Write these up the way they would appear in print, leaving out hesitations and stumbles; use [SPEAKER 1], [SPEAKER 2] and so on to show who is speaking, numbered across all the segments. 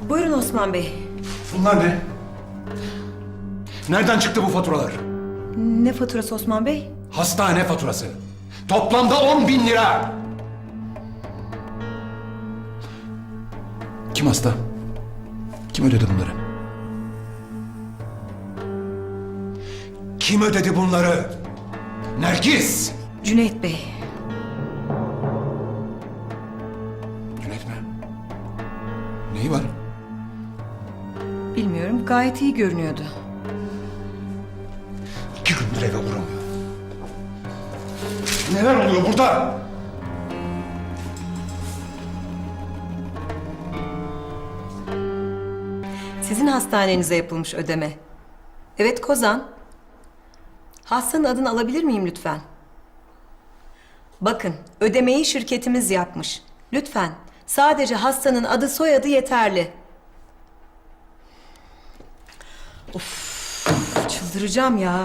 [SPEAKER 1] Buyurun Osman Bey.
[SPEAKER 2] Bunlar ne? Nereden çıktı bu faturalar?
[SPEAKER 1] Ne faturası Osman Bey?
[SPEAKER 2] Hastane faturası. Toplamda 10.000 lira. Kim hasta? Kim ödedi bunları? Kim ödedi bunları? Nergis!
[SPEAKER 1] Cüneyt Bey.
[SPEAKER 2] Cüneyt mi? Neyi var?
[SPEAKER 1] Bilmiyorum, gayet iyi görünüyordu.
[SPEAKER 2] 2 gündür eve uğramıyor. Neler oluyor burada?
[SPEAKER 1] Sizin hastanenize yapılmış ödeme. Evet Kozan. Hastanın adını alabilir miyim lütfen? Bakın, ödemeyi şirketimiz yapmış. Lütfen, sadece hastanın adı soyadı yeterli. Of, çıldıracağım ya.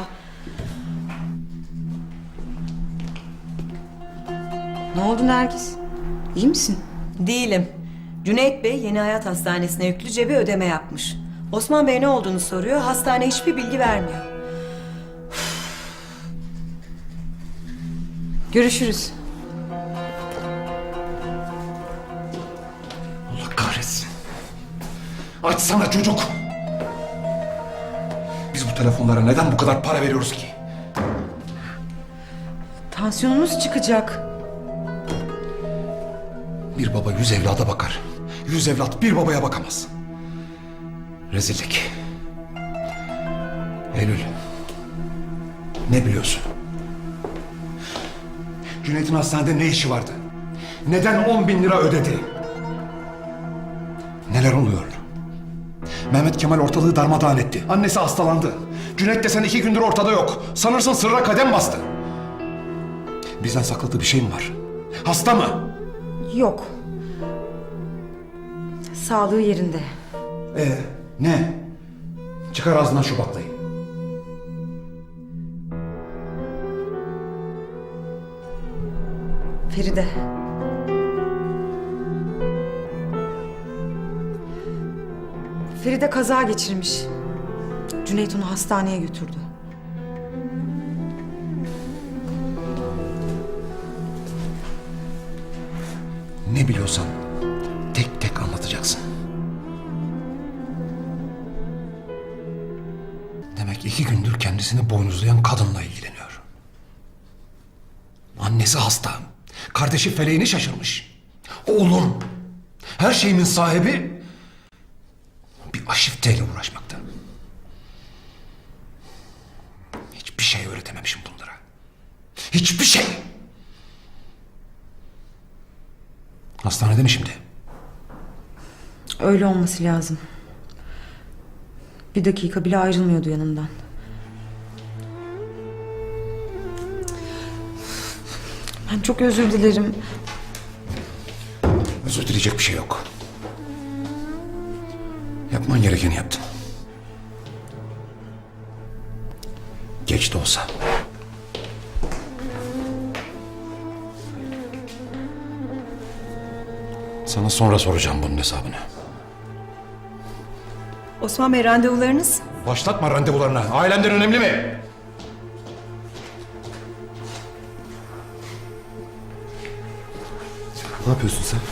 [SPEAKER 3] Ne oldu Nergis? İyi misin?
[SPEAKER 1] Değilim. Cüneyt Bey Yeni Hayat Hastanesi'ne yüklüce bir ödeme yapmış. Osman Bey ne olduğunu soruyor, hastane hiçbir bilgi vermiyor.
[SPEAKER 3] Görüşürüz.
[SPEAKER 2] Allah kahretsin. Açsana çocuk. Biz bu telefonlara neden bu kadar para veriyoruz ki?
[SPEAKER 3] Tansiyonunuz çıkacak.
[SPEAKER 2] Bir baba 100 evlada bakar. 100 evlat bir babaya bakamaz. Rezillik. Eylül. Ne biliyorsun? Cüneyt'in hastanede ne işi vardı? Neden 10.000 lira ödedi? Neler oluyor? Mehmet Kemal ortalığı darmadağın etti. Annesi hastalandı. Cüneyt desen 2 gündür ortada yok. Sanırsın sırra kadem bastı. Bizden sakladığı bir şey mi var? Hasta mı?
[SPEAKER 3] Yok. Sağlığı yerinde.
[SPEAKER 2] Ne? Çıkar ağzından şu baklayı.
[SPEAKER 3] Feride. Feride kaza geçirmiş. Cüneyt onu hastaneye götürdü.
[SPEAKER 2] Ne biliyorsan tek tek anlatacaksın. Demek 2 gündür kendisini boynuzlayan kadınla ilgileniyor. Annesi hasta. Kardeşi feleğini şaşırmış. Oğlum, her şeyimin sahibi bir aşifteyle uğraşmakta. Hiçbir şey öğretememişim bunlara. Hiçbir şey. Hastanede mi şimdi?
[SPEAKER 3] Öyle olması lazım. Bir dakika bile ayrılmıyordu yanından. Ben çok özür dilerim.
[SPEAKER 2] Özür dileyecek bir şey yok. Yapman gerekeni yaptın. Geç de olsa. Sana sonra soracağım bunun hesabını.
[SPEAKER 1] Osman Bey randevularınız?
[SPEAKER 2] Başlatma randevularına. Ailemden önemli mi?
[SPEAKER 4] Ne yapıyorsun sen?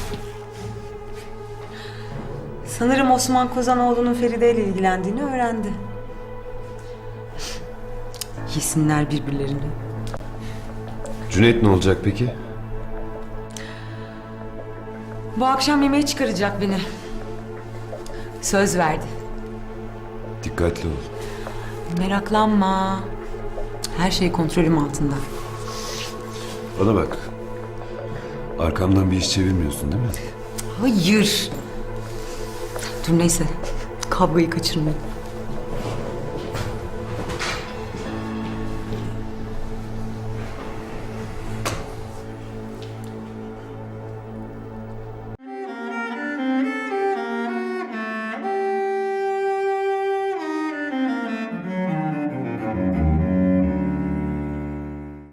[SPEAKER 3] Sanırım Osman Kozanoğlu'nun Feride ile ilgilendiğini öğrendi. Yesinler birbirlerini.
[SPEAKER 4] Cüneyt ne olacak peki?
[SPEAKER 3] Bu akşam yemeğe çıkaracak beni. Söz verdi.
[SPEAKER 4] Dikkatli ol.
[SPEAKER 3] Meraklanma. Her şey kontrolüm altında.
[SPEAKER 4] Bana bak. Arkamdan bir iş çevirmiyorsun değil mi?
[SPEAKER 3] Hayır. Dur neyse. Kavgayı kaçırmayayım.